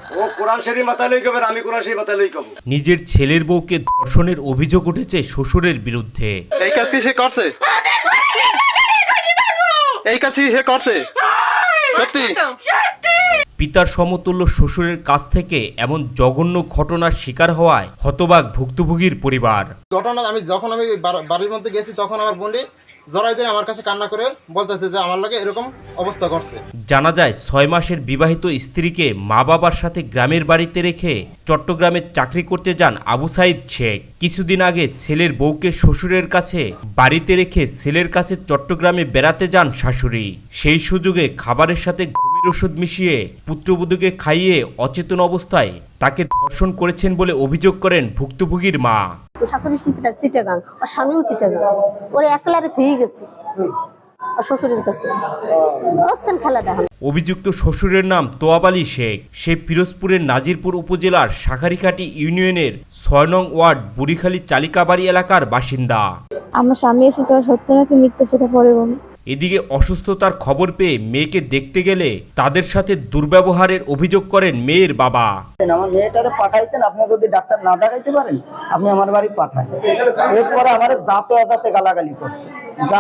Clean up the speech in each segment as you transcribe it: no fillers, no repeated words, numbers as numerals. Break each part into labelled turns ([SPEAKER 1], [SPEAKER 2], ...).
[SPEAKER 1] ও কোরআন শরীফ মাথায় লই কবে, আমি কোরআন শরীফ মাথায় লই কব।
[SPEAKER 2] নিজের ছেলের বউকে ধর্ষণের অভিযোগ উঠেছে শ্বশুরের বিরুদ্ধে।
[SPEAKER 3] এই কাজ কি সে করছে? এই কাজ কি সে করছে? সত্যি?
[SPEAKER 2] পিতার সমতুল্য শ্বশুরের কাছ থেকে এমন জঘন্য ঘটনার শিকার হওয়ায় হতবাক ভুক্তভোগীর পরিবার।
[SPEAKER 3] ঘটনা যখন আমি বাড়ির মধ্যে গেছি তখন আমার বোনটি জড়াই ধরে আমার কাছে কান্না করে বলতেছে যে আমার লাগে এরকম অবস্থা করছে।
[SPEAKER 2] জানা যায় 6 মাসের বিবাহিত স্ত্রীকে মা বাবার সাথে গ্রামের বাড়িতে রেখে চট্টগ্রামে চাকরি করতে যান আবু সাইদ শেখ। কিছুদিন আগে ছেলের বউকে শ্বশুরের কাছে বাড়িতে রেখে ছেলের কাছে চট্টগ্রামে বেড়াতে যান শাশুড়ি। সেই সুযোগে খাবারের সাথে ঘুমের ওষুধ মিশিয়ে পুত্রবধূকে খাইয়ে অচেতন অবস্থায় তাকে ধর্ষণ করেছেন বলে অভিযোগ করেন ভুক্তভোগীর মা।
[SPEAKER 4] শাশুড়ি চিটাগাং, আর স্বামীও চিটাগাং, ওরা একলারে থুয়ে গেছে শ্বশুরের কাছে। খেলাটা
[SPEAKER 2] অভিযুক্ত শ্বশুরের নাম তোয়াব আলী শেখ। সে পিরোজপুরের নাজিরপুর উপজেলার শাখারিঘাটি ইউনিয়নের 6 নং ওয়ার্ড বুড়িখালী চালিকাবাড়ি এলাকার বাসিন্দা।
[SPEAKER 5] আমার স্বামী এসে তো সত্য নাকি মিথ্যা সেটা পরে বলুন।
[SPEAKER 2] এদিকে অসুস্থতার খবর পেয়ে মেয়েকে দেখতে গেলে তাদের সাথে দুর্ব্যবহারের অভিযোগ করেন মেয়ের বাবা।
[SPEAKER 6] আমার মেয়েটারে পাঠাইতেন, আপনি যদি ডাক্তার না দেখাইতে পারেন আপনি আমার বাড়ি পাঠান। এরপরে আমার যাতে অজাতে গালাগালি করছে, যা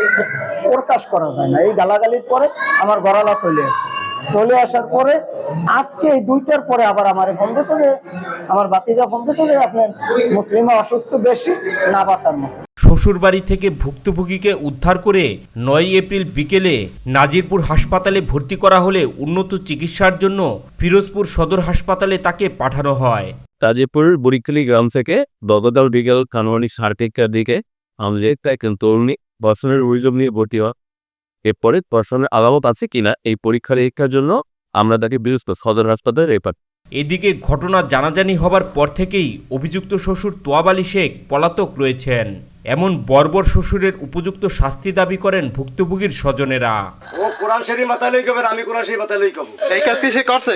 [SPEAKER 6] প্রকাশ করা যায় না। এই গালাগালির পরে আমার গড়ালা চলে আসার পরে আজকে এই 2টার পরে আবার আমার ফোন দিয়েছে যে আমার বাতিজা ফোন দিয়েছে যে আপনার মুসলিমা অসুস্থ বেশি, না বাঁচার মতো।
[SPEAKER 2] শ্বশুর বাড়ি থেকে ভুক্তভোগীকে উদ্ধার করে 9 এপ্রিল বিকেলে নাজিরপুর হাসপাতালে ভর্তি করা হলে উন্নত চিকিৎসার জন্য পিরোজপুর সদর হাসপাতালে তাকে পাঠানো হয়।
[SPEAKER 7] তাজিপুরের বুড়িখালী গ্রাম থেকে গতকাল বিকেল আনুমানিক 8:30টার দিকে আমাদের একজন তরুণী ধর্ষণের অভিযোগ নিয়ে ভর্তি হয়। এরপরে ধর্ষণের আলামত আছে কিনা এই পরীক্ষার জন্য আমরা তাকে পিরোজপুর সদর হাসপাতালে রেফার।
[SPEAKER 2] এদিকে ঘটনা জানাজানি হবার পর থেকেই অভিযুক্ত শ্বশুর তোয়াব আলী শেখ পলাতক রয়েছেন। এমন বর্বর শ্বশুরের উপযুক্ত শাস্তি দাবি করেন ভুক্তভোগীর স্বজনেরা।
[SPEAKER 1] ও কোরআন শরীফ মাথায় লই কবে, আমি কোরআন শরীফ মাথায় লই কব।
[SPEAKER 3] এই কাজ কি সে করছে?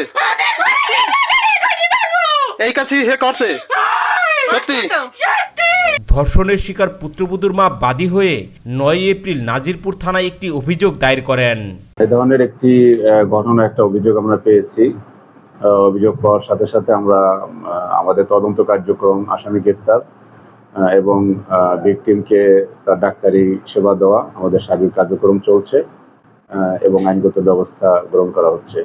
[SPEAKER 3] এই কাজ কি সে করছে? সত্যি?
[SPEAKER 2] ধর্ষণের শিকার পুত্রবধূর মা বাদী হয়ে 9 এপ্রিল নাজিরপুর থানায় একটি অভিযোগ দায়ের করেন।
[SPEAKER 8] এই ধরনের একটি একটা অভিযোগ আমরা পেয়েছি। অভিযোগ পাওয়ার সাথে সাথে আমরা আমাদের তদন্ত কার্যক্রম, আসামি গ্রেপ্তার এবং ভিকটিমকে তার ডাক্তারি সেবা দেওয়া আমাদের সার্বিক কার্যক্রম চলছে এবং আইনগত ব্যবস্থা গ্রহণ করা হচ্ছে।